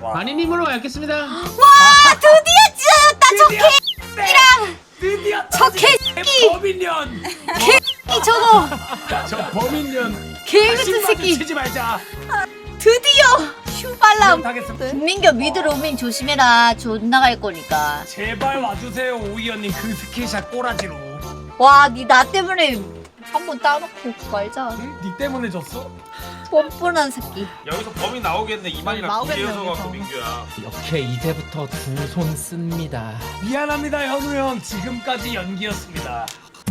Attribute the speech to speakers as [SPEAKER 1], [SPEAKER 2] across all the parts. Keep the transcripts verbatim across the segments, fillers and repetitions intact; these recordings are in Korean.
[SPEAKER 1] 마니님으로 알겠습니다.
[SPEAKER 2] 와 드디어 찢어졌다 저 개이랑
[SPEAKER 3] 드디어
[SPEAKER 2] 저 개새끼
[SPEAKER 3] 범인년.
[SPEAKER 2] 개새끼 저거
[SPEAKER 3] 저 범인년.
[SPEAKER 2] 개같은 새끼
[SPEAKER 3] 치지 말자.
[SPEAKER 2] 드디어 슈발람
[SPEAKER 3] 하겠습니다.
[SPEAKER 2] 김민규 미드 로밍 조심해라 존나 갈 거니까.
[SPEAKER 3] 제발 와주세요 오이언님 그 스킬샷 꼬라지로.
[SPEAKER 2] 와 니 나 때문에 한 번 따놓고 말자.
[SPEAKER 3] 응? 니 때문에 졌어?
[SPEAKER 2] 뻔뻔한 새끼.
[SPEAKER 4] 여기서 범인 나오겠네. 이만이랑
[SPEAKER 5] 나오겠네,
[SPEAKER 4] 비례해서 갖고
[SPEAKER 5] 여기서.
[SPEAKER 4] 민규야.
[SPEAKER 1] 이렇게 이제부터 두 손 씁니다.
[SPEAKER 3] 미안합니다 현우 형. 지금까지 연기였습니다.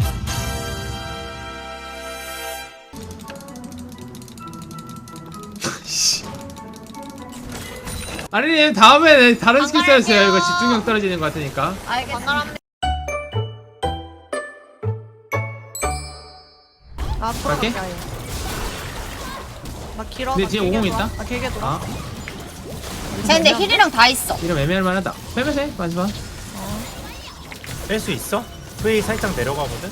[SPEAKER 1] 마니님 다음에 다른 스킬
[SPEAKER 2] 반가워요.
[SPEAKER 1] 써주세요. 이거 집중력 떨어지는 것 같으니까.
[SPEAKER 2] 알겠습니다.
[SPEAKER 5] 아
[SPEAKER 1] 갈게.
[SPEAKER 5] 풀어갈게 아예. 나 길어.
[SPEAKER 1] 근데
[SPEAKER 5] 나
[SPEAKER 1] 뒤에
[SPEAKER 5] 길게
[SPEAKER 1] 오공
[SPEAKER 5] 돌아.
[SPEAKER 1] 있다?
[SPEAKER 5] 나 길게 돌아.
[SPEAKER 1] 아,
[SPEAKER 2] 쟤 근데 힐이랑 다 있어.
[SPEAKER 1] 이름 애매할 만하다. 빼면서 해, 마지막.
[SPEAKER 6] 뺄 수 있어? 프레이 살짝 내려가거든?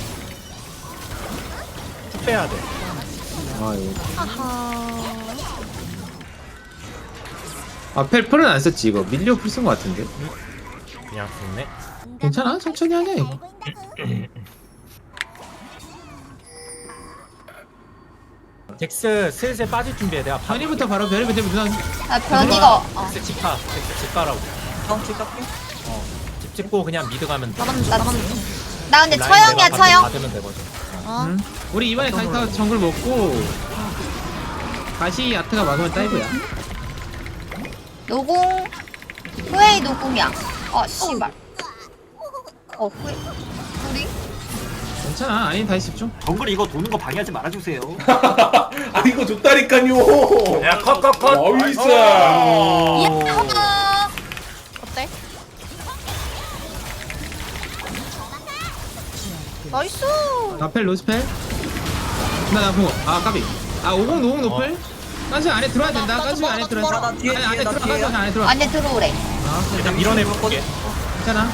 [SPEAKER 6] 쭉 빼야 돼.
[SPEAKER 1] 아, 이거.
[SPEAKER 5] 아하.
[SPEAKER 1] 아, 펠 풀은 안 썼지 이거. 밀리오 풀 쓴 것 같은데.
[SPEAKER 6] 그냥 죽네.
[SPEAKER 1] 괜찮아, 천천히 하냐 이거.
[SPEAKER 6] 덱스 슬슬 빠질 준비해. 내가 바...
[SPEAKER 1] 변이부터 바로 변이부터 누나.
[SPEAKER 2] 나 변이가 어.
[SPEAKER 6] 덱스 집 가. 덱스 집 가라고.
[SPEAKER 5] 어 길게.
[SPEAKER 6] 어. 집 찍고 그냥 미드 가면 돼.
[SPEAKER 5] 나가는 중.
[SPEAKER 2] 나,
[SPEAKER 5] 나가는 중.
[SPEAKER 2] 나 근데
[SPEAKER 6] 라인
[SPEAKER 2] 처형이야
[SPEAKER 6] 내가
[SPEAKER 2] 처형.
[SPEAKER 6] 받으면 되거든.
[SPEAKER 5] 어.
[SPEAKER 1] 응? 우리 이번에 다이타 정글 먹고 다시 아트가 막으면 다이브야.
[SPEAKER 2] 노공 후웨이 노공이야. 어 씨발. 어 후웨이 우리
[SPEAKER 1] 괜찮아. 아니 다시 집중.
[SPEAKER 7] 정글 이거 도는 거 방해하지 말아주세요.
[SPEAKER 8] 아 이거 좋다니까요.
[SPEAKER 4] 야, 컷, 컷, 컷.
[SPEAKER 8] 나이스.
[SPEAKER 2] 이야.
[SPEAKER 5] 어때? 나이스.
[SPEAKER 1] 나펠 로스펠. 나나 보고. 아 까비. 아 오공 노공 노펠. 깐수 안에 들어와야 된다. 깐수 안에 들어와.
[SPEAKER 5] 나 뒤에,
[SPEAKER 1] 안에 안에
[SPEAKER 5] 뒤에, 나
[SPEAKER 1] 들어와.
[SPEAKER 5] 뒤에야.
[SPEAKER 1] 깐수 안에 들어와.
[SPEAKER 2] 안에 들어오래.
[SPEAKER 1] 아
[SPEAKER 6] 일단 밀어내볼게.
[SPEAKER 1] 괜찮아.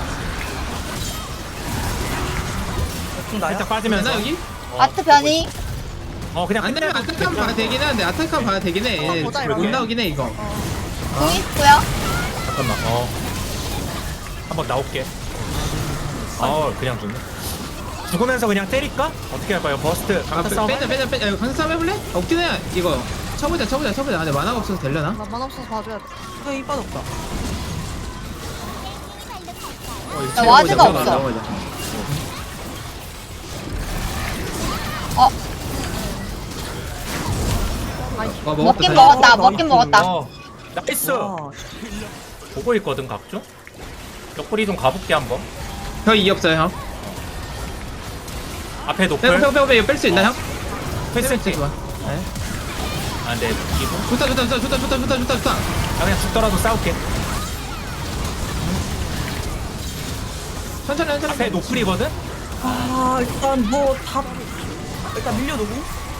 [SPEAKER 6] 살짝 빠지면서.
[SPEAKER 1] 나 여기?
[SPEAKER 2] 아트 변이.
[SPEAKER 6] 어 그냥
[SPEAKER 1] 안 되면
[SPEAKER 6] 끝내고
[SPEAKER 1] 아타칸 봐야 되긴 하는데 아타칸 봐야 되긴 해.
[SPEAKER 5] 어, 보자, 이거.
[SPEAKER 1] 못 나오긴 해 이거.
[SPEAKER 2] 공 있고요.
[SPEAKER 6] 잠깐만. 어. 한번 나올게. 어 그냥 죽네. 죽으면서 그냥 때릴까? 어떻게 할까요? 버스트
[SPEAKER 1] 아
[SPEAKER 6] 강타
[SPEAKER 1] 빼-
[SPEAKER 6] 싸움.
[SPEAKER 1] 빼자 빼자 빼자. 강사 싸움 해볼래? 없긴 해. 이거 쳐보자 쳐보자 쳐보자. 근데 만화가 없어서 되려나?
[SPEAKER 5] 나만 없어서 봐줘야 돼. 이거 이 빠졌다.
[SPEAKER 2] 나 와드가
[SPEAKER 1] 나오자,
[SPEAKER 2] 없어.
[SPEAKER 1] 나오자.
[SPEAKER 2] 어
[SPEAKER 1] 어,
[SPEAKER 2] 먹긴
[SPEAKER 1] 먹었다.
[SPEAKER 2] 먹었다. 먹긴 먹었다.
[SPEAKER 6] 어. 나이스.
[SPEAKER 5] 와.
[SPEAKER 6] 보고 있거든 각종. 옆구리 좀 가볼게 한번.
[SPEAKER 1] 형이 없어요 형.
[SPEAKER 6] 앞에
[SPEAKER 1] 빼고
[SPEAKER 6] 노플.
[SPEAKER 1] 빼고 빼고 빼고 뺄수 있나 형?
[SPEAKER 6] 패스
[SPEAKER 1] 뺄수 좋아. 네.
[SPEAKER 6] 아 근데 이거
[SPEAKER 1] 좋다 좋다 좋다 좋다 좋다 좋다 좋다 좋다.
[SPEAKER 6] 나 그냥 죽더라도 싸울게.
[SPEAKER 1] 천천히 천천히.
[SPEAKER 6] 앞에 노플이거든.
[SPEAKER 5] 아 일단 뭐다 일단 밀려두고.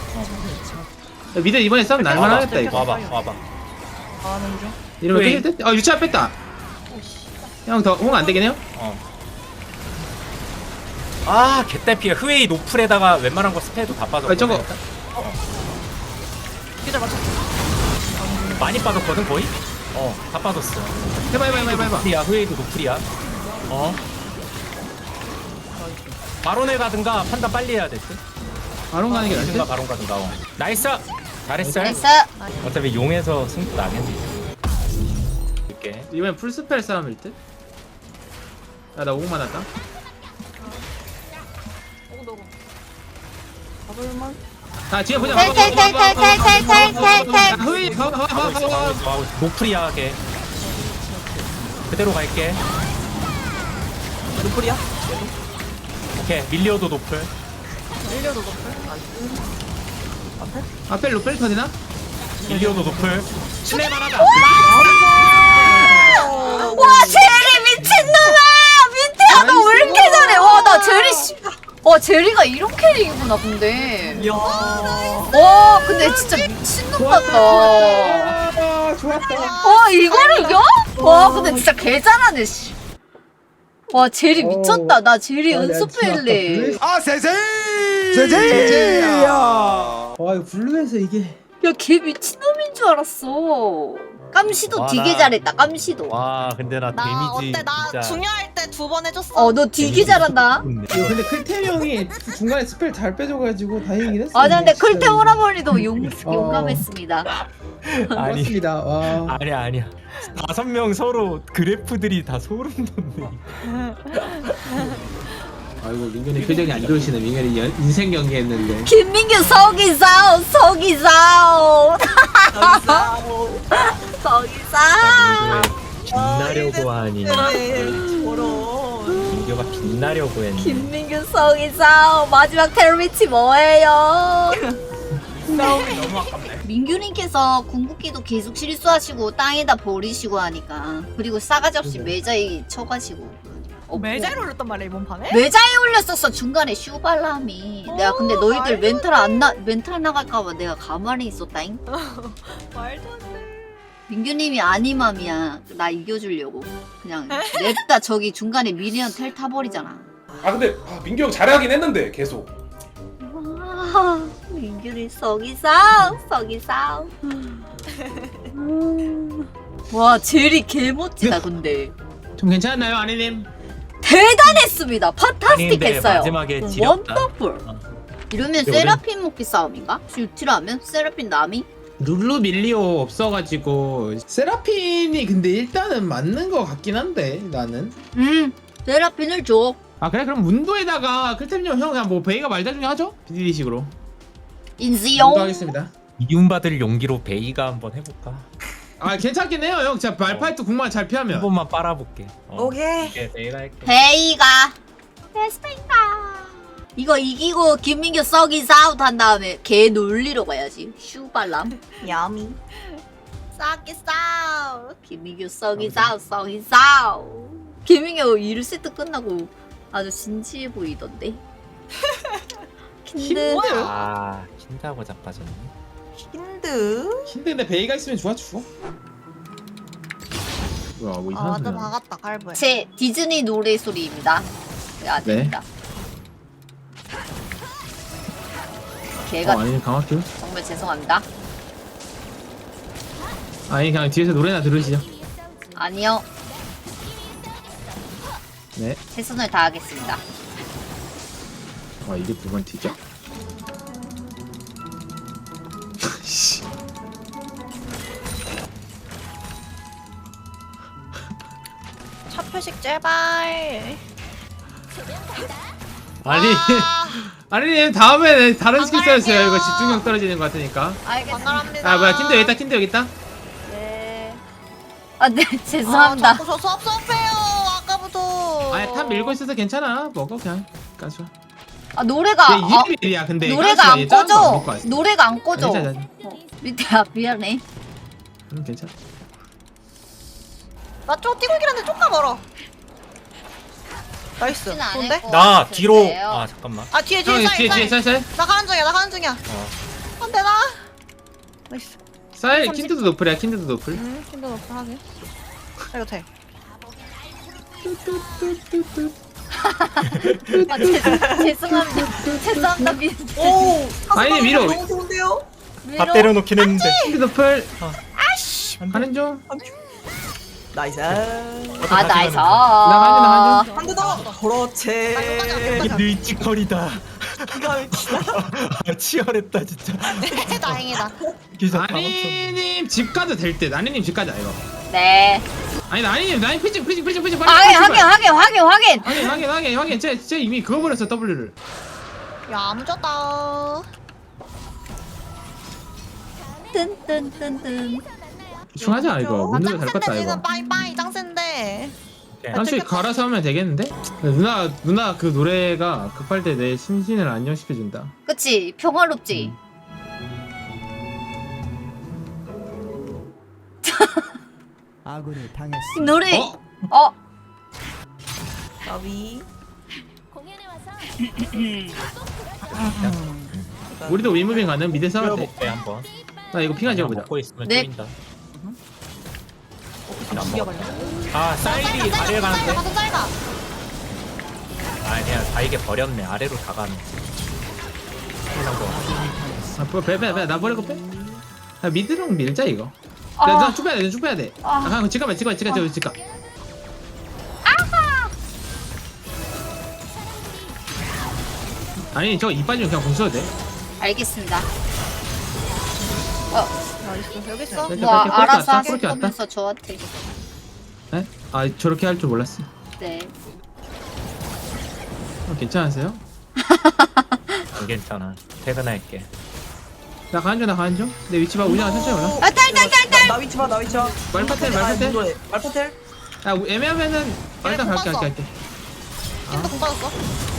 [SPEAKER 1] 미드 이번에 싸움 날만하겠다 이거.
[SPEAKER 6] 와봐 와봐.
[SPEAKER 5] 가는 중.
[SPEAKER 1] 이러면
[SPEAKER 6] 왜?
[SPEAKER 1] 뺄 듯? 어 유치아 뺐다. 형 더 홍 안 되긴 해요?
[SPEAKER 6] 어. 아 개딸피야. 흐웨이 노플에다가 웬만한 거 스페도 다 빠졌거든.
[SPEAKER 1] 아, 저거.
[SPEAKER 5] 기절 맞췄어.
[SPEAKER 6] 많이 빠졌거든 거의. 어다 빠졌어.
[SPEAKER 1] 해봐 해봐 해봐 해봐 해봐.
[SPEAKER 6] 노플이야. 흐웨이도 노플이야. 어. 바론에 가든가 판단 빨리 해야 될 듯.
[SPEAKER 1] 바론 가는 게 나을
[SPEAKER 6] 가든가
[SPEAKER 1] 듯?
[SPEAKER 6] 바론 가든가. 어. 나이스. 잘했어.
[SPEAKER 2] 나이스.
[SPEAKER 6] 어차피 용에서 승부 나겠네. 이렇게.
[SPEAKER 1] 이번엔 풀스펠 싸움일 듯? 야나 오공만 왔다.
[SPEAKER 5] 가볼만.
[SPEAKER 1] 자 뒤에 보자.
[SPEAKER 2] 텔텔텔텔텔텔텔텔.
[SPEAKER 1] 흐이
[SPEAKER 6] 하고 있어, 하고 있어, 하고 있어. 노플이야, 걔. 그대로 갈게.
[SPEAKER 5] 노플이야?
[SPEAKER 6] 오케이, 밀리오도 노플.
[SPEAKER 5] 밀려도 노플. 나이스. 앞에?
[SPEAKER 1] 앞에 로펠 터지나?
[SPEAKER 6] 밀리오도 노플. 신뢰만 하자.
[SPEAKER 2] 와 제리 미친놈아. 민트야 너 왜 이렇게 잘해? 와나 제리 씨. 와 제리가 이런 캐릭이구나 근데.
[SPEAKER 5] 이야.
[SPEAKER 2] 와 근데 진짜 미친놈 같다.
[SPEAKER 1] 아 좋았다.
[SPEAKER 2] 와 이걸 이겨? 와 근데 진짜 개 잘하네 씨. 와 제리 미쳤다. 나 제리 연습해일래.
[SPEAKER 8] 아 세세.
[SPEAKER 1] 제제야. 와 이거 블루에서 이게.
[SPEAKER 2] 야 걔 미친놈인 줄 알았어. 깜시도
[SPEAKER 6] 와,
[SPEAKER 2] 되게
[SPEAKER 6] 나-
[SPEAKER 2] 잘했다. 깜시도.
[SPEAKER 6] 와 근데 나
[SPEAKER 5] 나
[SPEAKER 6] 데미지
[SPEAKER 5] 어때? 나
[SPEAKER 6] 진짜
[SPEAKER 5] 중요할 때 두 번 해줬어.
[SPEAKER 2] 어 너 되게 잘한다.
[SPEAKER 1] 이거 근데 클템 형이 중간에 스펠 잘 빼줘가지고 다행이긴 했어.
[SPEAKER 2] 아 근데
[SPEAKER 1] 진짜.
[SPEAKER 2] 클테 오라버니도 용
[SPEAKER 1] 어.
[SPEAKER 2] 용감했습니다.
[SPEAKER 6] 아니
[SPEAKER 1] 고맙습니다. 와.
[SPEAKER 6] 아니야 아니야 다섯 명 서로 그래프들이 다 소름 돋네.
[SPEAKER 1] 아이고 민균이 표정이 안 좋으시네. 민균이 연- 인생 경기했는데.
[SPEAKER 2] 김민규 서기사오 서기사오 서기사오.
[SPEAKER 6] 빛나려고 하니
[SPEAKER 5] 저런.
[SPEAKER 6] 민규가 빛나려고 했네.
[SPEAKER 2] 김민규 서기사오 마지막 테러미치 뭐예요?
[SPEAKER 3] 싸움이 너무 아깝네.
[SPEAKER 2] 민규님께서 궁극기도 계속 실수하시고 땅에다 버리시고 하니까 그리고 싸가지 없이 매자에 쳐가시고 어,
[SPEAKER 5] 매자에 올렸단 말이야 이번 판에?
[SPEAKER 2] 매자에 올렸었어 중간에 슈발람이. 내가 근데
[SPEAKER 5] 어,
[SPEAKER 2] 너희들
[SPEAKER 5] 말도
[SPEAKER 2] 멘탈 안 나, 멘탈 나갈까봐 내가 가만히 있었다잉.
[SPEAKER 5] 말도 안 돼.
[SPEAKER 2] 민규님이 아니맘이야. 나 이겨주려고 그냥 냅다 저기 중간에 미니언 텔 타버리잖아.
[SPEAKER 8] 아 근데 아, 민규 형 잘하긴 했는데 계속.
[SPEAKER 2] 와, 민규님 썩이싸우 썩이싸우. 음. 와 제리 개멋지다 근데.
[SPEAKER 1] 좀 괜찮나요, 아내님?
[SPEAKER 2] 대단했습니다. 판타스틱
[SPEAKER 6] 아닌데
[SPEAKER 2] 했어요.
[SPEAKER 6] 마지막에 지렸다.
[SPEAKER 2] 원더풀.
[SPEAKER 6] 어.
[SPEAKER 2] 이러면
[SPEAKER 6] 근데
[SPEAKER 2] 세라핀 먹기 싸움인가? 슈티로 하면 세라핀 남이?
[SPEAKER 1] 룰루 밀리오 없어가지고 세라핀이 근데 일단은 맞는 거 같긴 한데 나는.
[SPEAKER 2] 음 세라핀을 줘.
[SPEAKER 1] 아 그래 그럼 문도에다가 클템 형 그냥 뭐 베이가 말자 중에 하죠? 비디디식으로.
[SPEAKER 2] 인지용.
[SPEAKER 1] 문도 하겠습니다.
[SPEAKER 6] 이윤받을 용기로 베이가 한번 해볼까?
[SPEAKER 1] 아 괜찮긴 해요 형. 진짜 말파이트 궁만 잘
[SPEAKER 6] 한
[SPEAKER 1] 피하면.
[SPEAKER 6] 번만 빨아볼게. 어.
[SPEAKER 5] 오케이.
[SPEAKER 6] 오케이 베이가 할게.
[SPEAKER 2] 베이가. 베스페이가. 이거 이기고 김민규 썩이 싸우트 한 다음에 걔 놀리러 가야지. 슈발람.
[SPEAKER 5] 야미.
[SPEAKER 2] 썩이 싸우. 김민규 썩이 싸우 썩이 싸우. 김민규 일 세트 끝나고 아주 진지해 보이던데. 킨드.
[SPEAKER 6] 아 킨다고 자빠졌네.
[SPEAKER 5] 힌드.
[SPEAKER 1] 힌데 근데 베이가 있으면 좋아 죽어. 뭐야 뭐
[SPEAKER 5] 아
[SPEAKER 1] 이상한
[SPEAKER 5] 완전
[SPEAKER 1] 소리 나네.
[SPEAKER 5] 박았다 갈보에.
[SPEAKER 2] 제 디즈니 노래 소리입니다. 네, 아닙니다. 걔가
[SPEAKER 1] 어, 아니 강학교?
[SPEAKER 2] 정말 죄송합니다.
[SPEAKER 1] 아니 그냥 뒤에서 노래나 들으시죠.
[SPEAKER 2] 아니요,
[SPEAKER 1] 네.
[SPEAKER 2] 최선을 다하겠습니다.
[SPEAKER 1] 아 이게 두 번 튀죠? 씨.
[SPEAKER 5] 차 표식 제발.
[SPEAKER 1] 아니 아니 다음에 다른 스킬 써주세요. 이거 집중력 떨어지는 것 같으니까.
[SPEAKER 2] 알겠습니다.
[SPEAKER 5] 반갑습니다.
[SPEAKER 1] 아 뭐야 킨드 여기 있다 킨드 여기 있다.
[SPEAKER 2] 네. 아, 네, 죄송합니다.
[SPEAKER 5] 아, 자꾸 저 섭섭해요. 아까부터.
[SPEAKER 1] 아니 탑 밀고 있어서 괜찮아. 먹어 그냥. 까줘.
[SPEAKER 2] 아, 노래가 아,
[SPEAKER 1] 이름이 일이야 근데.
[SPEAKER 2] 노래가 안 꺼져.
[SPEAKER 1] 노래
[SPEAKER 2] 노래가 안 꺼져.
[SPEAKER 1] 괜찮아.
[SPEAKER 2] 어, 밑에 아, 미안해.
[SPEAKER 1] 음 괜찮아.
[SPEAKER 5] 나쪽 뛰고 있긴 한데 조금 멀어. 나이스.
[SPEAKER 2] 쉽지는 않을
[SPEAKER 5] 좋은데?
[SPEAKER 2] 것
[SPEAKER 6] 나
[SPEAKER 2] 같은데요.
[SPEAKER 6] 뒤로 아 잠깐만.
[SPEAKER 5] 아 뒤에 뒤에
[SPEAKER 1] 형
[SPEAKER 5] 사이
[SPEAKER 1] 뒤에 뒤에
[SPEAKER 5] 사이.
[SPEAKER 1] 쌀쌀.
[SPEAKER 5] 나 가는 중이야. 나 가는 중이야.
[SPEAKER 6] 어.
[SPEAKER 5] 안돼 나. 나이스.
[SPEAKER 1] 쌀 킨드도 노플이야 킨드도 노플.
[SPEAKER 5] 음 힘도 높고 하게. 이거 돼.
[SPEAKER 2] 아, 죄, 죄송합니다. 죄송합니다. 미,
[SPEAKER 5] 오.
[SPEAKER 1] 아니, 위로.
[SPEAKER 5] 너무 좋은데요?
[SPEAKER 6] 다 때려놓긴 했는데.
[SPEAKER 1] 킨드 노플.
[SPEAKER 5] 아씨.
[SPEAKER 1] 가는 중.
[SPEAKER 5] 나이스.
[SPEAKER 2] 아, 나이스.
[SPEAKER 1] 나가는 중,
[SPEAKER 5] 한 대 더. 그렇지.
[SPEAKER 6] 이게 늙직거리다.
[SPEAKER 5] 이거 미치다.
[SPEAKER 6] 아, 치열했다 진짜.
[SPEAKER 5] 다행이다.
[SPEAKER 6] 기사 다 없었네.
[SPEAKER 1] 아니님 집 가도 될 듯. 아니님 집 가자 이거.
[SPEAKER 2] 네.
[SPEAKER 1] 아니 아니님 나이 피징 피징 피징 피징 빨리.
[SPEAKER 2] 확인,
[SPEAKER 1] 빨리,
[SPEAKER 2] 확인,
[SPEAKER 1] 빨리.
[SPEAKER 2] 확인, 확인, 확인.
[SPEAKER 1] 확인 확인 확인 확인. 쟤, 쟤 이미 그거 버렸어 W를.
[SPEAKER 5] 야 무졌다.
[SPEAKER 2] 뜬뜬뜬뜬.
[SPEAKER 1] 중하자 이거. 문제가 잘 껐다
[SPEAKER 5] 지금
[SPEAKER 1] 이거.
[SPEAKER 5] 빠이빠이 짱센데.
[SPEAKER 1] 사실 갈아서 하면 되겠는데? 누나 누나 그 노래가 급할 때 내 심신을 안정시켜준다.
[SPEAKER 2] 그치, 평화롭지.
[SPEAKER 9] 아군이 당했습니다.
[SPEAKER 2] 이 노래.
[SPEAKER 1] 어?
[SPEAKER 2] 어?
[SPEAKER 5] 나비.
[SPEAKER 1] 우리도 윈무빙 가는 미드 싸울 때.
[SPEAKER 6] 먹게 한번.
[SPEAKER 1] 나 이거 핑하 지어보자.
[SPEAKER 6] 먹고 있으면
[SPEAKER 2] 네.
[SPEAKER 6] 쪼인다.
[SPEAKER 5] 안 죽여버려.
[SPEAKER 6] 아 사이리 아래 가는데.
[SPEAKER 5] 가서 짧아.
[SPEAKER 6] 아니야 다 이게 버렸네. 아래로 다 가네. 항상 거.
[SPEAKER 1] 아, 빼, 빼, 빼, 나 버리고 빼. 아, 미드랑 밀자 이거.
[SPEAKER 2] 아.
[SPEAKER 1] 나 쭉 빼야 돼, 쭉 빼야 돼.
[SPEAKER 2] 아.
[SPEAKER 1] 아, 잠깐, 잠깐만, 잠깐만, 잠깐만, 잠깐. 아니, 저거 이빨 좀 그냥 공 써도 돼.
[SPEAKER 2] 알겠습니다. 어,
[SPEAKER 5] 나이스. 여기 있어.
[SPEAKER 1] 뺄게,
[SPEAKER 2] 뭐
[SPEAKER 1] 뺄게.
[SPEAKER 2] 알아서
[SPEAKER 1] 그렇게 왔다, 그렇게 왔다.
[SPEAKER 2] 하시면서 저한테.
[SPEAKER 1] 네? 아, 저렇게 할 줄 몰랐어.
[SPEAKER 2] 네.
[SPEAKER 1] 어, 괜찮으세요?
[SPEAKER 6] 안 괜찮아. 퇴근할게.
[SPEAKER 1] 나 가는 중, 나 가는 중. 내 위치 봐, 우리가 천천히 올라.
[SPEAKER 2] 아, 딸, 딸, 딸, 딸.
[SPEAKER 10] 나 위치 봐, 나 위치 봐.
[SPEAKER 1] 말파텔,
[SPEAKER 10] 아,
[SPEAKER 1] 말파텔.
[SPEAKER 10] 무도해. 말파텔?
[SPEAKER 1] 야, 우- 애매하면은 어, 일단
[SPEAKER 5] 공
[SPEAKER 1] 갈게,
[SPEAKER 5] 봤어.
[SPEAKER 1] 갈게, 갈게.
[SPEAKER 5] 킨도 공 빠졌어.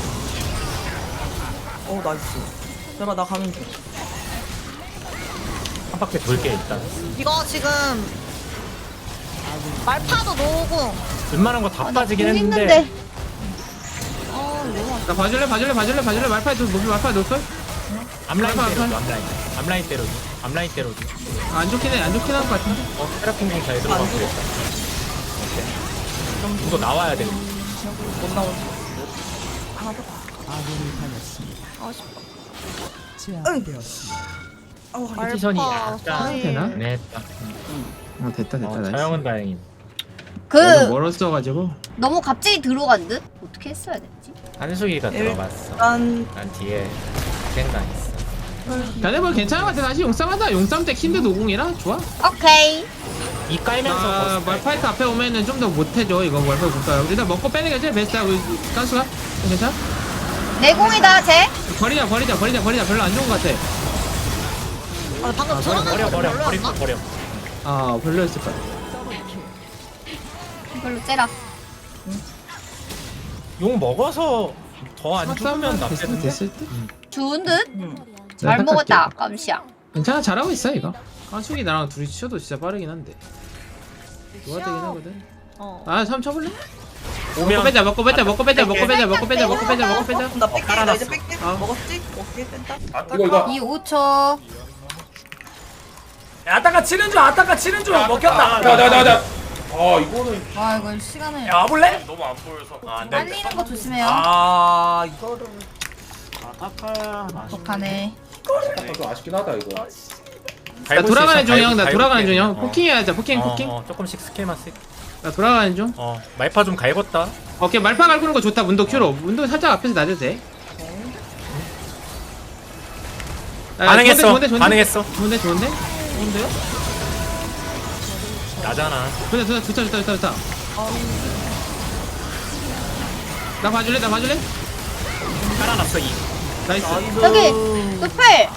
[SPEAKER 10] 어, 나이스. 내가 나 가는 중.
[SPEAKER 6] 한 바퀴 돌게 일단.
[SPEAKER 5] 이거 지금 말파도 노고.
[SPEAKER 6] 웬만한 거 다
[SPEAKER 2] 아, 나
[SPEAKER 6] 빠지긴
[SPEAKER 2] 공
[SPEAKER 6] 했는데.
[SPEAKER 2] 있는데.
[SPEAKER 5] 어, 너무
[SPEAKER 1] 나 봐줄래, 봐줄래, 봐줄래, 봐줄래. 말파에 도 높이 말파에 높을?
[SPEAKER 6] 앞라인
[SPEAKER 1] 말파,
[SPEAKER 6] 때려줘.
[SPEAKER 1] 말파.
[SPEAKER 6] 앞라인. 앞라인 때려줘. 앞라인 때려줘.
[SPEAKER 1] 아, 안 좋긴 해, 안 좋긴 할 것 같은데.
[SPEAKER 6] 어, 테라핀 공잘 들어가고 있다. 오케이. 이거 나와야 돼.
[SPEAKER 10] 못 나오지.
[SPEAKER 9] 아군이 당했습니다.
[SPEAKER 5] 아쉽다.
[SPEAKER 9] 제압되었습니다.
[SPEAKER 10] 어,
[SPEAKER 6] 포지션이
[SPEAKER 5] 말파
[SPEAKER 6] 약간
[SPEAKER 5] 사이.
[SPEAKER 1] 되나?
[SPEAKER 6] 애매했다.
[SPEAKER 1] 어, 됐다, 됐다.
[SPEAKER 6] 어,
[SPEAKER 1] 나이스.
[SPEAKER 6] 차영은 다행인.
[SPEAKER 2] 그
[SPEAKER 1] 너무 멀었어가지고.
[SPEAKER 2] 너무 갑자기 들어간 듯? 어떻게 했어야 됐지?
[SPEAKER 6] 한수기가
[SPEAKER 10] 일-
[SPEAKER 6] 들어갔어.
[SPEAKER 10] 일단
[SPEAKER 6] 난 뒤에 생각했어.
[SPEAKER 1] 자네 뭐 괜찮은 것 같아. 다시 용쌈하자. 용쌈 때 킨드 노공이라 좋아.
[SPEAKER 2] 오케이.
[SPEAKER 6] 이 깔면서
[SPEAKER 1] 아,
[SPEAKER 6] 버스
[SPEAKER 1] 말파이트 앞에 오면은 좀 더 못해줘. 이거 말파이트 볼까요? 일단 먹고 빼는 게 제일 베스트야. 우리 깐수가 괜찮아?
[SPEAKER 2] 내공이다, 쟤.
[SPEAKER 1] 버리자, 버리자, 버리자, 버리자. 별로 안 좋은 것 같아.
[SPEAKER 5] 아, 방금
[SPEAKER 1] 아,
[SPEAKER 5] 저런
[SPEAKER 6] 버려
[SPEAKER 5] 거
[SPEAKER 6] 버려 버려
[SPEAKER 5] 별로였나?
[SPEAKER 6] 버려.
[SPEAKER 1] 아, 별로였을 것 같아.
[SPEAKER 2] 이걸로 째라.
[SPEAKER 6] 용 먹어서 더 안 죽으면
[SPEAKER 1] 됐을,
[SPEAKER 6] 낫겠는데?
[SPEAKER 1] 됐을 때?
[SPEAKER 2] 좋은 듯?
[SPEAKER 10] 음.
[SPEAKER 2] 잘
[SPEAKER 1] 내가
[SPEAKER 2] 먹었다,
[SPEAKER 1] 닦을게.
[SPEAKER 2] 깜시야.
[SPEAKER 1] 괜찮아, 잘하고 있어 이거. 깐숙이 나랑 둘이 치셔도 진짜 빠르긴 한데. 좋아되긴 하거든.
[SPEAKER 5] 어.
[SPEAKER 1] 아, 삼 쳐볼래? 먹고
[SPEAKER 6] 오면
[SPEAKER 1] 빼자, 먹고 빼자, 먹고 빼자, 먹고 빼자, 먹고 빼자, 먹고 빼자, 먹고 빼자.
[SPEAKER 10] 나 뺄게. 나 이제
[SPEAKER 6] 깔아놨어.
[SPEAKER 10] 뺄게.
[SPEAKER 1] 아.
[SPEAKER 10] 먹었지? 오케이, 뺀다.
[SPEAKER 8] 이거 이거
[SPEAKER 2] 이 오 초.
[SPEAKER 3] 아따가 치는 중, 아따가 치는 중. 먹혔다.
[SPEAKER 8] 야야야야 아 이거는
[SPEAKER 2] 와, 이거 시간을.
[SPEAKER 3] 야, 와볼래?
[SPEAKER 4] 너무 안 보여서.
[SPEAKER 6] 아, 안
[SPEAKER 2] 빨리는 거 조심해요.
[SPEAKER 3] 아, 이거를.
[SPEAKER 2] 독하네.
[SPEAKER 8] 약간 좀 아쉽긴 하다 이거.
[SPEAKER 1] 나 돌아가는 중 형, 나 돌아가는 중 형. 포킹해야자, 포킹,
[SPEAKER 6] 어,
[SPEAKER 1] 포킹.
[SPEAKER 6] 어, 조금씩 스킬만 쓰.
[SPEAKER 1] 나 돌아가는 중.
[SPEAKER 6] 어, 말파 좀 갈궜다.
[SPEAKER 1] 오케이, 말파 갈구는 거 좋다. 문도 큐로. 문도 살짝 앞에서 놔줘도 돼. 아,
[SPEAKER 6] 반응했어.
[SPEAKER 1] 좋은데, 좋은데,
[SPEAKER 6] 반응했어.
[SPEAKER 1] 좋은데, 좋은데? 좋은데요?
[SPEAKER 6] 나잖아.
[SPEAKER 1] 좋다, 좋다, 좋다, 좋다, 좋다, 좋다. 나 봐줄래? 나 봐줄래?
[SPEAKER 6] 깔아놨어 이.
[SPEAKER 1] 나이스.
[SPEAKER 2] 여기, 노플.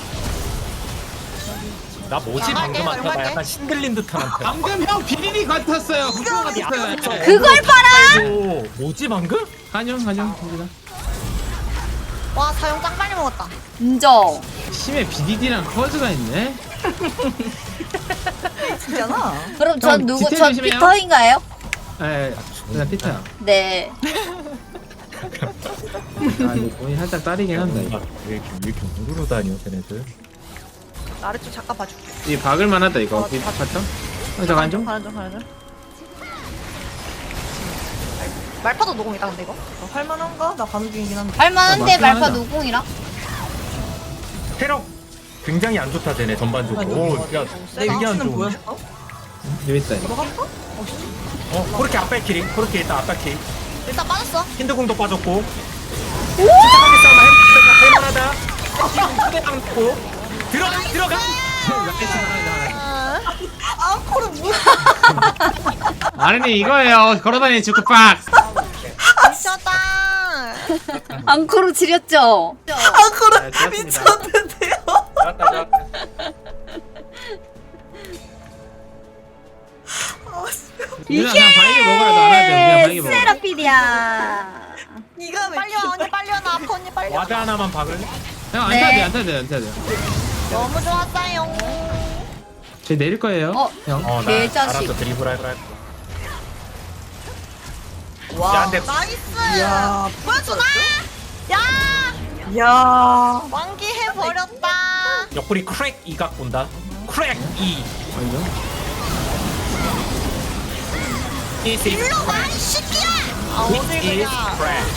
[SPEAKER 6] 나 뭐지
[SPEAKER 5] 나
[SPEAKER 6] 방금
[SPEAKER 5] 갈게,
[SPEAKER 6] 한타 나
[SPEAKER 5] 갈게.
[SPEAKER 6] 약간 신들린 듯한 한타.
[SPEAKER 1] 방금 형 비리리 같았어요. 후보 같았어요.
[SPEAKER 2] 그걸 봐라!
[SPEAKER 6] 오, 뭐지 방금?
[SPEAKER 1] 간용, 간용, 갑니다.
[SPEAKER 5] 와, 사용 짱 빨리 먹었다.
[SPEAKER 2] 인정.
[SPEAKER 1] 심해 비디디랑 커즈가 있네.
[SPEAKER 10] 진짜나?
[SPEAKER 2] 그럼 전
[SPEAKER 1] 형,
[SPEAKER 2] 누구,
[SPEAKER 1] 디테일
[SPEAKER 2] 전
[SPEAKER 1] 조심해요.
[SPEAKER 2] 피터인가요?
[SPEAKER 1] 에, 그냥 피타야.
[SPEAKER 2] 네.
[SPEAKER 1] 아, 이거 돈이 살짝 따리긴 한다. 이거.
[SPEAKER 6] 왜 이렇게 왜 이렇게 우르르 다녀 쟤네들?
[SPEAKER 5] 나 아래쪽 잠깐 봐줄게.
[SPEAKER 1] 이 박을만 하다 이거.
[SPEAKER 5] 어,
[SPEAKER 1] 이 봤죠? 형, 저 간용.
[SPEAKER 5] 가는 중, 가는 중. 말파도 노공이다, 근데 이거.
[SPEAKER 10] 어, 할만한가? 나 가는 중이긴 한데.
[SPEAKER 2] 할만한데,
[SPEAKER 1] 아, 맞긴
[SPEAKER 2] 말파
[SPEAKER 1] 하다.
[SPEAKER 2] 노공이라?
[SPEAKER 6] 체력 굉장히 안 좋다 쟤네 전반적으로. 오, 야,
[SPEAKER 10] 내
[SPEAKER 6] 되게 안
[SPEAKER 10] 위치는
[SPEAKER 6] 좋은데?
[SPEAKER 10] 보였어?
[SPEAKER 1] 여기 있다. 이거.
[SPEAKER 10] 이거 할까?
[SPEAKER 6] 어, 그렇게 앞발 키링, 그렇게 일단 앞발 키링.
[SPEAKER 5] 일단 빠졌어.
[SPEAKER 6] 힌드궁도 빠졌고. 침착하게 싸움 할- 할만하다. 휴대방 놓고 들어가 들어가.
[SPEAKER 10] 아, 코를 뭐?
[SPEAKER 1] 아니 이거예요. 걸어다니는 주크박.
[SPEAKER 5] 미쳤다.
[SPEAKER 2] 앙코로 지렸죠?
[SPEAKER 10] 아, 코를
[SPEAKER 1] 네,
[SPEAKER 10] 미쳤는데요?
[SPEAKER 6] 좋았다 좋았다.
[SPEAKER 1] 누나 그냥 바이게 먹어라. 너 알아야 돼. 그냥 바이게 먹어.
[SPEAKER 2] 세라피디야.
[SPEAKER 10] 니가 왜
[SPEAKER 5] 빨리 와, 언니 빨리 와. 나 아파, 언니 빨리 와.
[SPEAKER 6] 와드 하나만 박을래?
[SPEAKER 1] 형안
[SPEAKER 2] 네.
[SPEAKER 1] 타야 돼. 안 타야 돼. 안 타야 돼.
[SPEAKER 5] 너무 좋았어요.
[SPEAKER 1] 쟤 내릴 거예요.
[SPEAKER 2] 어.
[SPEAKER 1] 형.
[SPEAKER 6] 어, 나
[SPEAKER 2] 개자식.
[SPEAKER 6] 알아서 드리블 할 거야.
[SPEAKER 10] 와.
[SPEAKER 6] 야, 근데
[SPEAKER 5] 나이스.
[SPEAKER 10] 야,
[SPEAKER 5] 보여주나? 야,
[SPEAKER 10] 야.
[SPEAKER 5] 완기해버렸다.
[SPEAKER 6] 옆구리 크랙 이각 본다. 크랙 이.
[SPEAKER 1] 완전.
[SPEAKER 6] This is
[SPEAKER 5] 일로 와, 이 새끼야. 아,
[SPEAKER 6] This
[SPEAKER 5] 어딜
[SPEAKER 6] is
[SPEAKER 5] 그냥.
[SPEAKER 6] crack.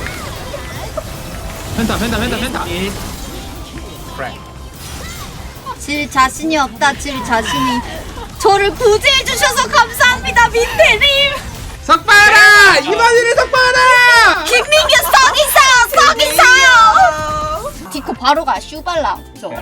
[SPEAKER 1] 펜타, 펜타, 펜타, 펜타.
[SPEAKER 6] This is crack.
[SPEAKER 2] 질 자신이 없다. 질 자신이. 저를 구제해 주셔서 감사합니다, 민태님.
[SPEAKER 1] 석방하라! 이만희를 석방하라!
[SPEAKER 2] 김민규 썩이사요, 썩이사요. 디코 바로 가, 슈발라. 저.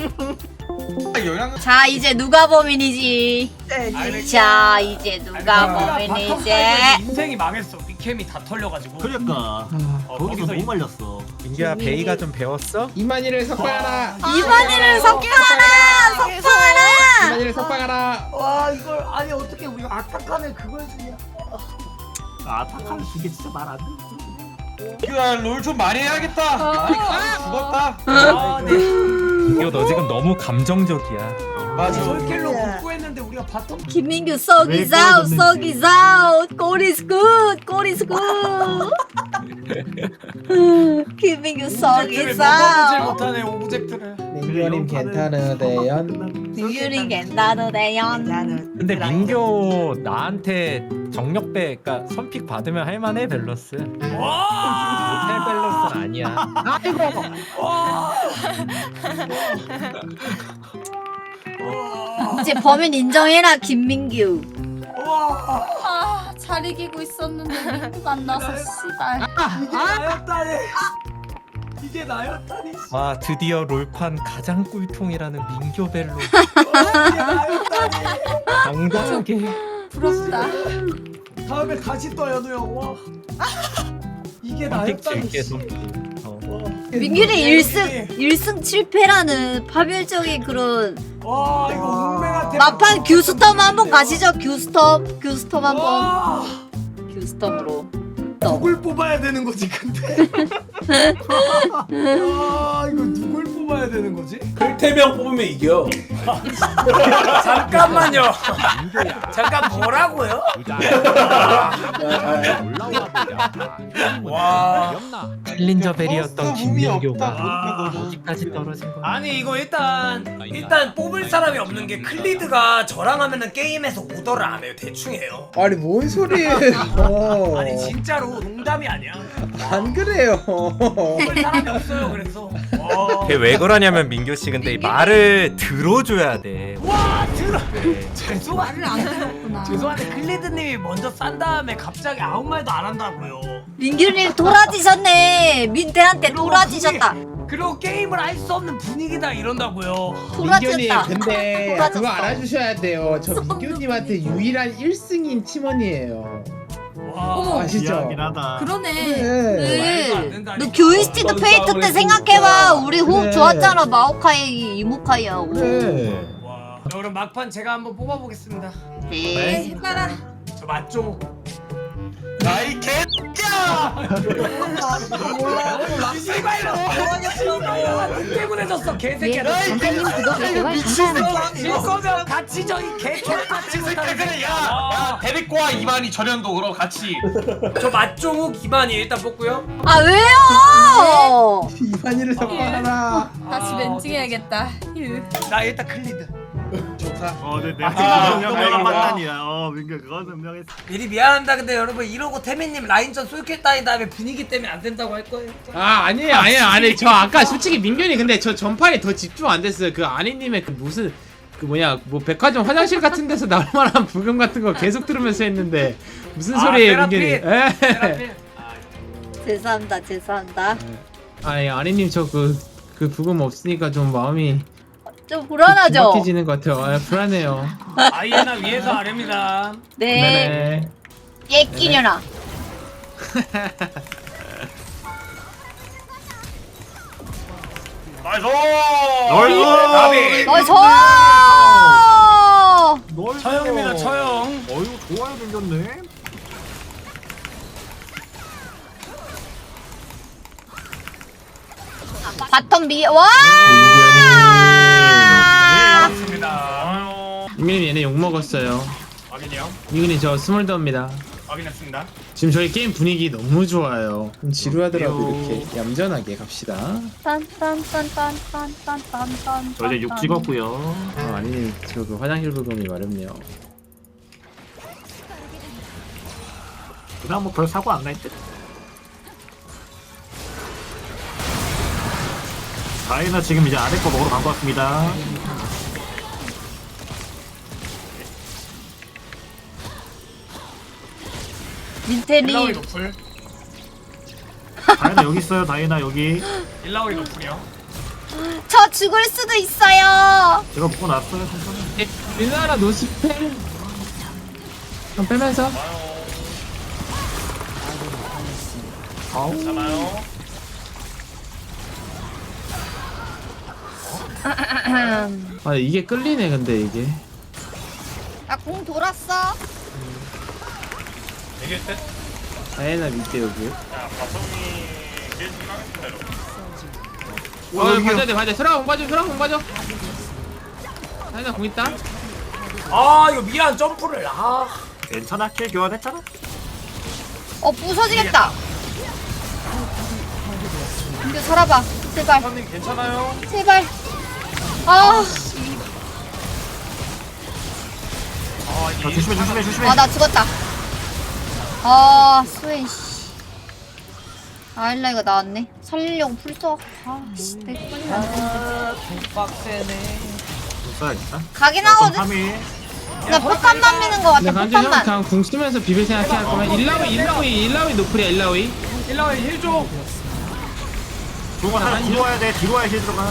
[SPEAKER 4] 영향
[SPEAKER 2] 자, 이제 누가 범인이지?
[SPEAKER 10] 네,
[SPEAKER 2] 자, 이제 누가
[SPEAKER 3] 바텀
[SPEAKER 2] 범인이지?
[SPEAKER 3] 사이버에서 인생이 망했어. 미캠이 다 털려가지고.
[SPEAKER 7] 그러니까
[SPEAKER 3] 어,
[SPEAKER 7] 거기서
[SPEAKER 3] 거기서
[SPEAKER 7] 너무 말렸어.
[SPEAKER 6] 민규야 베이가 좀 배웠어?
[SPEAKER 1] 이만희를 석방하라!
[SPEAKER 2] 이만희를 석방하라! 석방하라!
[SPEAKER 1] 이만희를 석방하라!
[SPEAKER 10] 와 이걸 아니 어떻게 우리 아타칸에 그걸 주냐?
[SPEAKER 7] 아 탁하면 이게 진짜 말 안 돼.
[SPEAKER 4] 롤좀 많이 해야겠다. 아, 죽었다.
[SPEAKER 3] 아, 네.
[SPEAKER 6] 민규 너 지금 너무 감정적이야.
[SPEAKER 4] 맞아.
[SPEAKER 3] 솔킬로 복구했는데 우리가 바텀.
[SPEAKER 2] 김민규 썩이사우, 썩이사우. 골 is good, 골 is good. 김민규
[SPEAKER 3] 오브젝트를 넘어보질
[SPEAKER 2] 썩이사우.
[SPEAKER 3] 못하네 오브젝트를.
[SPEAKER 1] 민규님 괜찮으대연.
[SPEAKER 2] 민규리 괜찮으대연.
[SPEAKER 10] 나는
[SPEAKER 6] 근데 민규 나한테 정력배 그러니까 선픽 받으면 할만해 밸런스.
[SPEAKER 3] 와.
[SPEAKER 6] 호텔 밸런스는 아니야.
[SPEAKER 2] 이제 범인 인정해라, 김민규.
[SPEAKER 3] 와.
[SPEAKER 2] 아, 잘 이기고 있었는데 민규가 안 나서 씨발.
[SPEAKER 3] 이게 나였다니. 이게 나였다니.
[SPEAKER 6] 와 드디어 롤판 가장 꿀통이라는 민규 벨로
[SPEAKER 3] 이게 나였다니.
[SPEAKER 6] 당당하게
[SPEAKER 2] 부럽다.
[SPEAKER 3] 다음에 다시 또 연우 형. 와. 이게
[SPEAKER 6] 선픽
[SPEAKER 3] 나였다니.
[SPEAKER 6] 줄게 선픽. 어.
[SPEAKER 2] 민규리 일승 일승 칠 패라는 파멸적인 그런
[SPEAKER 3] 와 이거 운명한테.
[SPEAKER 2] 막판 규스텀 한번 가시죠. 규스텀 규스텀 한번
[SPEAKER 3] 와.
[SPEAKER 2] 규스텀으로.
[SPEAKER 3] 누굴 뽑아야 되는 거지 근데? 아 이거 누굴 뽑아야 되는 거지?
[SPEAKER 8] 클태명 뽑으면 이겨.
[SPEAKER 3] 잠깐만요. 잠깐 뭐라고요? 와.
[SPEAKER 6] 챌린저 벨이었던
[SPEAKER 4] 버스 붐이
[SPEAKER 6] 김민규가
[SPEAKER 4] 없다.
[SPEAKER 6] 어디까지 떨어진 거야?
[SPEAKER 3] 아니 이거 일단 일단 뽑을 사람이 없는 게 클리드가 저랑 하면은 게임에서 오더를 안 해요. 대충 해요.
[SPEAKER 1] 아니 뭔 소리예요?
[SPEAKER 3] 아니 진짜로 농담이 아니야.
[SPEAKER 1] 안 그래요.
[SPEAKER 3] 뽑을 사람이 없어요. 그래서. 와.
[SPEAKER 6] 걔 왜 그러냐면 민규 씨 근데 이 말을 들어줘야 돼.
[SPEAKER 3] 와 들어.
[SPEAKER 6] 네.
[SPEAKER 3] 죄송
[SPEAKER 2] 말을 안 들었구나.
[SPEAKER 3] 죄송한데 클리드님이 먼저 싼 다음에 갑자기 아무 말도 안 한다고요.
[SPEAKER 2] 민규님 돌아지셨네. 민태한테
[SPEAKER 3] 그리고
[SPEAKER 2] 돌아지셨다.
[SPEAKER 3] 분위기- 그리고 게임을 할 수 없는 분위기다 이런다고요.
[SPEAKER 1] 민규님
[SPEAKER 2] 돌아졌다.
[SPEAKER 1] 근데
[SPEAKER 2] 돌아졌어.
[SPEAKER 1] 그거 알아주셔야 돼요. 저 민규님한테 유일한 일 승인 팀원이에요.
[SPEAKER 3] 와.
[SPEAKER 1] 아시죠?
[SPEAKER 7] 미안하긴 하다.
[SPEAKER 2] 그러네.
[SPEAKER 3] 말도 안
[SPEAKER 2] 네.
[SPEAKER 3] 된다니까.
[SPEAKER 2] 너 교이스티드 페이트 때 생각해봐. 우리 호흡
[SPEAKER 1] 그래.
[SPEAKER 2] 좋았잖아. 마오카이 이모카이하고.
[SPEAKER 1] 네.
[SPEAKER 3] 와. 자, 그럼 막판 제가 한번 뽑아보겠습니다.
[SPEAKER 2] 네. 해봐라.
[SPEAKER 3] 저 맞죠?
[SPEAKER 4] 나이 개야.
[SPEAKER 3] 때문에 졌어 개새끼야.
[SPEAKER 2] 선생님 구독 좋아요
[SPEAKER 3] 질 거면 같이 저이 개족같이
[SPEAKER 4] 그래 그래 야. 야 데리고 와 이만희 전현도 그럼 같이.
[SPEAKER 3] 저 맞종욱 이만희 일단 뽑고요.
[SPEAKER 2] 아 왜요?
[SPEAKER 1] 이만희를 석방하라.
[SPEAKER 2] 다시 멘징해야겠다.
[SPEAKER 3] 나 일단 클리드.
[SPEAKER 1] 좋다.
[SPEAKER 7] 어, 네, 네.
[SPEAKER 4] 아,
[SPEAKER 7] 아,
[SPEAKER 4] 아,
[SPEAKER 7] 명한
[SPEAKER 4] 아,
[SPEAKER 7] 판단이야. 어, 민규 그거는 분명했어.
[SPEAKER 3] 미리 미안합니다. 근데 여러분 이러고 태민님 라인전 쏠킬 따인 다음에 분위기 때문에 안 된다고 할 거예요.
[SPEAKER 1] 아 아니에요 아니에요 아니 저 아까 솔직히 민규님 근데 저 전판에 더 집중 안 됐어요. 그 아니님의 그 무슨 그 뭐냐 뭐 백화점 화장실 같은 데서 나올 만한 부금 같은 거 계속 들으면서 했는데 무슨
[SPEAKER 3] 아,
[SPEAKER 1] 소리예요
[SPEAKER 3] 세라핀.
[SPEAKER 1] 민규님? 에.
[SPEAKER 3] 세라핀.
[SPEAKER 2] 죄송합니다. 죄송합니다.
[SPEAKER 1] 아니 아니님 저 그 그 부금 없으니까 좀 마음이
[SPEAKER 2] 좀 불안하죠?
[SPEAKER 1] 기막혀지는 것 같아요. 아, 불안해요.
[SPEAKER 3] 아이에나 위에서 아래입니다.
[SPEAKER 2] 네.
[SPEAKER 1] 네네.
[SPEAKER 2] 얘 끼려나.
[SPEAKER 4] 나이스.
[SPEAKER 7] 나이스!
[SPEAKER 2] 어, 저!
[SPEAKER 7] 널
[SPEAKER 3] 처형입니다. 처형.
[SPEAKER 7] 어이구 좋아요 생겼네.
[SPEAKER 2] 바텀 미, 와!
[SPEAKER 3] 맞습니다.
[SPEAKER 1] 민규님 얘네 욕 먹었어요.
[SPEAKER 3] 확인이요.
[SPEAKER 1] 민규님 저 스몰더입니다.
[SPEAKER 3] 확인했습니다.
[SPEAKER 1] 지금 저희 게임 분위기 너무 좋아요. 좀 지루하더라도 이렇게 얌전하게 갑시다.
[SPEAKER 2] 딴딴딴딴딴딴딴딴.
[SPEAKER 7] 저 이제 육 찍었고요.
[SPEAKER 1] 아, 아니 저 그 화장실 부금이 마렵네요.
[SPEAKER 7] 그다음 뭐별 사고 안 날 듯. 다이나 지금 이제 아래 거 먹으러 간 것 같습니다.
[SPEAKER 3] 일라오이
[SPEAKER 2] 민테리
[SPEAKER 3] 노플.
[SPEAKER 7] 다이나 여기 있어요. 다이나 여기.
[SPEAKER 3] 일라오이 노플이요.
[SPEAKER 2] 저 죽을 수도 있어요.
[SPEAKER 7] 제가 보고 났어요. 천천히.
[SPEAKER 1] 민나라 노스펠. 좀 빼면서.
[SPEAKER 4] 괜찮아요.
[SPEAKER 1] 아 이게 끌리네 근데 이게.
[SPEAKER 2] 나 공 돌았어.
[SPEAKER 4] 이게 때
[SPEAKER 1] 다이나 밑에 여기.
[SPEAKER 4] 야, 바텀이 깨지긴 하겠습니다, 여러분.
[SPEAKER 1] 어
[SPEAKER 7] 여기요.
[SPEAKER 1] 봐줘야 돼 봐줘야 돼. 수라 공 봐줘 수라 공 봐줘. 다이나 공 있다.
[SPEAKER 3] 아 이거 미안 점프를 아.
[SPEAKER 7] 괜찮아. 킬 교환했잖아.
[SPEAKER 2] 어 부서지겠다. 민규 살아봐. 제발
[SPEAKER 4] 선님 괜찮아요?
[SPEAKER 2] 제발. 아.
[SPEAKER 7] 자, 조심해 조심해 조심해.
[SPEAKER 2] 아 나 죽었다. 아 스웨인 씨. 아일라이가 나왔네. 살리려고 풀써. 아씨 내 거는 안 되는데.
[SPEAKER 3] 빡세네.
[SPEAKER 7] 써야겠다.
[SPEAKER 2] 가긴 하거든.
[SPEAKER 7] 삼 위.
[SPEAKER 2] 나 폭탄만 미는 거 같아.
[SPEAKER 1] 근데 간주 형
[SPEAKER 2] 폭탄만.
[SPEAKER 1] 그냥 궁 쓰면서 비빌 생각할 거면 일라위 일라위 일라위 노플이야 일라위.
[SPEAKER 3] 일라오이 힐 줘.
[SPEAKER 7] 조금만 하나 뒤로 와야 돼. 뒤로 와야 힐 들어가.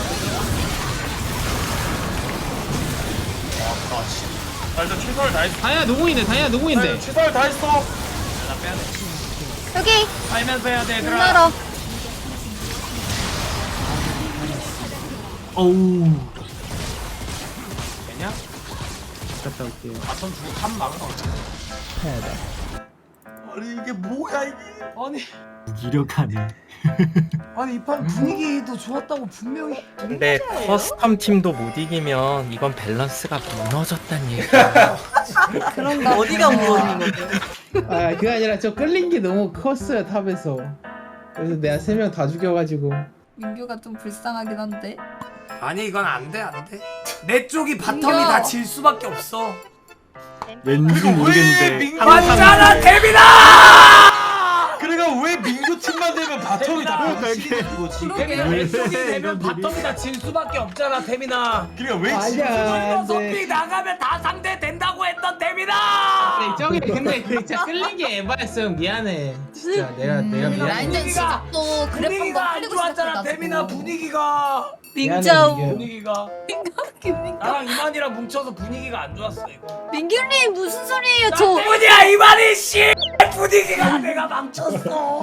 [SPEAKER 4] 나 일단 최선을 다했어.
[SPEAKER 1] 다이나 노공인데 다이나 노공인데.
[SPEAKER 4] 최선을 다했어.
[SPEAKER 2] 여기
[SPEAKER 3] 살면서 해야 돼 얘들아.
[SPEAKER 2] 눈나라.
[SPEAKER 7] 어우.
[SPEAKER 3] 되냐?
[SPEAKER 1] 갔다 올게요.
[SPEAKER 3] 바텀 주고 탑 막아.
[SPEAKER 4] 아니 이게 뭐야 이게?
[SPEAKER 3] 아니
[SPEAKER 7] 무기력하네.
[SPEAKER 10] 아니 이 판 분위기도 좋았다고 분명히.
[SPEAKER 6] 근데 커스텀 팀도 못 이기면 이건 밸런스가 무너졌단 얘기야.
[SPEAKER 2] 그런가.
[SPEAKER 5] 어디가 무너진 거지?
[SPEAKER 1] 아 그게 아니라 저 끌린 게 너무 컸어요 탑에서. 그래서 내가 세 명 다 죽여가지고.
[SPEAKER 2] 민규가 좀 불쌍하긴 한데.
[SPEAKER 3] 아니 이건 안돼 안돼. 내 쪽이 바텀이
[SPEAKER 2] 민규.
[SPEAKER 3] 다 질 수밖에 없어.
[SPEAKER 7] 왠지 모르겠는데.
[SPEAKER 3] 맞잖아 데뷔다.
[SPEAKER 4] 그러니까 왜 민규 팀만 되면 바텀이 다
[SPEAKER 7] 그러니까
[SPEAKER 4] 병신이 거지?
[SPEAKER 3] 데뷔나 내 쪽이 되면 바텀이 다 질 수밖에 없잖아 데뷔나.
[SPEAKER 4] 그러니까 왜
[SPEAKER 1] 아니야.
[SPEAKER 3] 이거 선비 나가면 다 상대 된다고 했던 데뷔나.
[SPEAKER 1] 저기 근데 그 진짜 끌린 게 에바였어. 미안해. 진짜 내가 내가 미안해.
[SPEAKER 2] 라인전 시작도 그래프
[SPEAKER 3] 분위기가
[SPEAKER 2] 한번
[SPEAKER 3] 안
[SPEAKER 2] 흘리고
[SPEAKER 3] 좋았잖아
[SPEAKER 2] 시작해가지고.
[SPEAKER 3] 데뷔나 분위기가.
[SPEAKER 2] 민정.
[SPEAKER 1] 미안해,
[SPEAKER 3] 분위기가
[SPEAKER 2] 김민규.
[SPEAKER 3] 나랑 이만이랑 뭉쳐서 분위기가 안 좋았어 이거.
[SPEAKER 2] 민규님 무슨 소리예요?
[SPEAKER 3] 나
[SPEAKER 2] 저
[SPEAKER 3] 때문이야 이만희 씨. 분위기가 내가 망쳤어.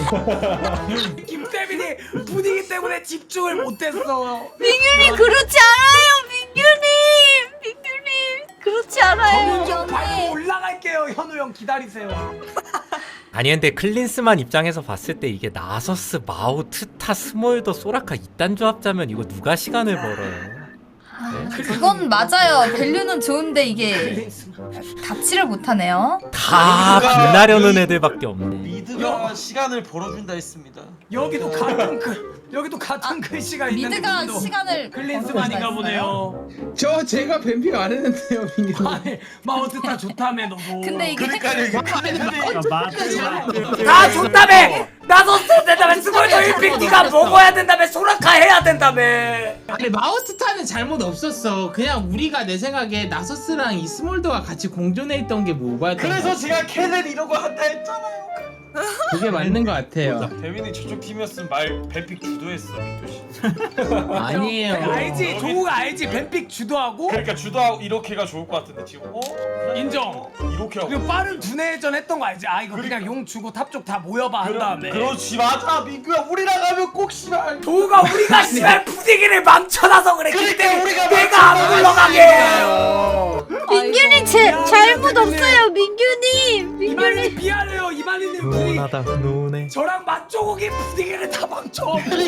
[SPEAKER 3] 김태민이 분위기 때문에 집중을 못했어.
[SPEAKER 2] 민규님 그렇지 않아요. 민규님. 민규님 그렇지 않아요.
[SPEAKER 3] 저는 좀 밟고 올라갈게요. 현우 형 기다리세요.
[SPEAKER 6] 아니 근데 클린스만 입장에서 봤을 때 이게 나서스, 마우, 트타, 스몰더, 소라카 이딴 조합자면 이거 누가 시간을 벌어요?
[SPEAKER 2] 그건 맞아요. 밸류는 좋은데 이게 답치를 못하네요.
[SPEAKER 6] 다 빛나려는 애들밖에 없네.
[SPEAKER 4] 미드가 시간을 벌어준다 했습니다.
[SPEAKER 3] 여기도 같은 글 여기도 같은 글씨가 있는데
[SPEAKER 2] 미드가
[SPEAKER 3] 그분도
[SPEAKER 2] 시간을
[SPEAKER 3] 클린스만인가 보네요.
[SPEAKER 1] 저 제가 뱀픽 안 했는데요 민규.
[SPEAKER 3] 아니 마우스타 좋다며 너도.
[SPEAKER 2] 근데 이게
[SPEAKER 4] 그러니까 이게
[SPEAKER 7] 아, 맞아.
[SPEAKER 3] 다 좋다며. 나서스 된다며. 스몰더 일 픽 네가 먹어야 된다며. 소라카 해야 된다며.
[SPEAKER 1] 아니 마우스타는 잘못 없었어. 그냥 우리가 내 생각에 나서스랑 이스몰더가 같이 공존해 있던 게 뭐였던
[SPEAKER 4] 그래서 제가 캐넨 이러고 한다 했잖아요.
[SPEAKER 1] 그게 맞는 것 같아요.
[SPEAKER 4] 대민이 저쪽 팀이었으면 말 뱀픽 주도했어 민규 씨.
[SPEAKER 1] 아니에요.
[SPEAKER 3] 알지 조우가 알지 뱀픽 주도하고.
[SPEAKER 4] 그러니까 주도하고 이렇게가 좋을 것 같은데 지금 어?
[SPEAKER 3] 인정.
[SPEAKER 4] 이렇게 하고.
[SPEAKER 3] 그리고 빠른 두뇌전 했던 거 알지? 아 이거 그냥 용 주고 탑 쪽 다 모여봐 한 다음에.
[SPEAKER 4] 그렇지 맞아 민규야 우리랑 하면 꼭 씨발.
[SPEAKER 3] 조우가 우리가 씨발 분위기를 망쳐놔서 그래.
[SPEAKER 4] 그러니까
[SPEAKER 3] 그때
[SPEAKER 4] 우리가
[SPEAKER 3] 내가 안
[SPEAKER 4] 망쳐놔.
[SPEAKER 3] 물러가게.
[SPEAKER 2] 민규님 제 잘못 없어요. 민규님.
[SPEAKER 3] 이만희
[SPEAKER 2] 민규님.
[SPEAKER 3] 미안해요. 이만희님 분위기.
[SPEAKER 6] 훈훈하다 훈훈해.
[SPEAKER 3] 저랑 맛조국이 분위기를 다 망쳐.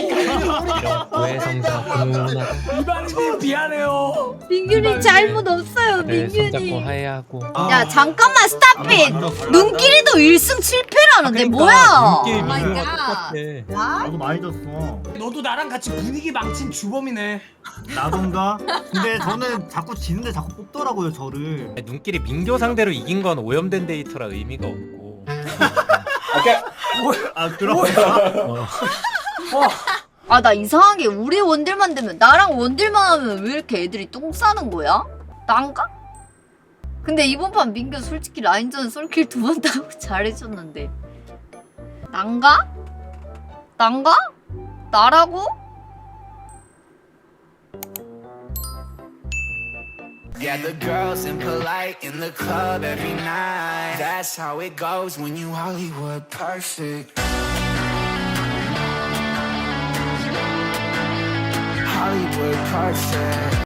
[SPEAKER 6] 오해성사 훈훈하다.
[SPEAKER 3] 이만희님 미안해요.
[SPEAKER 2] 민규님 잘못 없어요.
[SPEAKER 6] 다들 손잡고
[SPEAKER 2] 민규님.
[SPEAKER 6] 하야하고.
[SPEAKER 2] 야 잠깐만 스탑잇. 눈길이도 일 승 칠 패라는데 뭐야?
[SPEAKER 6] 눈길
[SPEAKER 2] 오 마이
[SPEAKER 6] 민규가
[SPEAKER 2] 갓.
[SPEAKER 6] 똑같아.
[SPEAKER 7] 나도 많이 졌어.
[SPEAKER 3] 너도 나랑 같이 분위기 망친 주범이네.
[SPEAKER 7] 나던가. 근데 저는 자꾸 지는데 자꾸 뽑더라고요 저를.
[SPEAKER 6] 눈길이 민교 상대로 이긴 건 오염된 데이터라 의미가 없고.
[SPEAKER 7] 아 그럼.
[SPEAKER 3] 어.
[SPEAKER 2] 아 나 이상하게 우리 원딜만 되면 나랑 원딜만 하면 왜 이렇게 애들이 똥 싸는 거야? 난가? 근데 이번 판 민규 솔직히 라인전 솔킬 두 번 따고 잘해줬는데 난가? 난가? 나라고?
[SPEAKER 9] Yeah, the girls impolite in the club every night. That's how it goes when you Hollywood perfect. Hollywood perfect.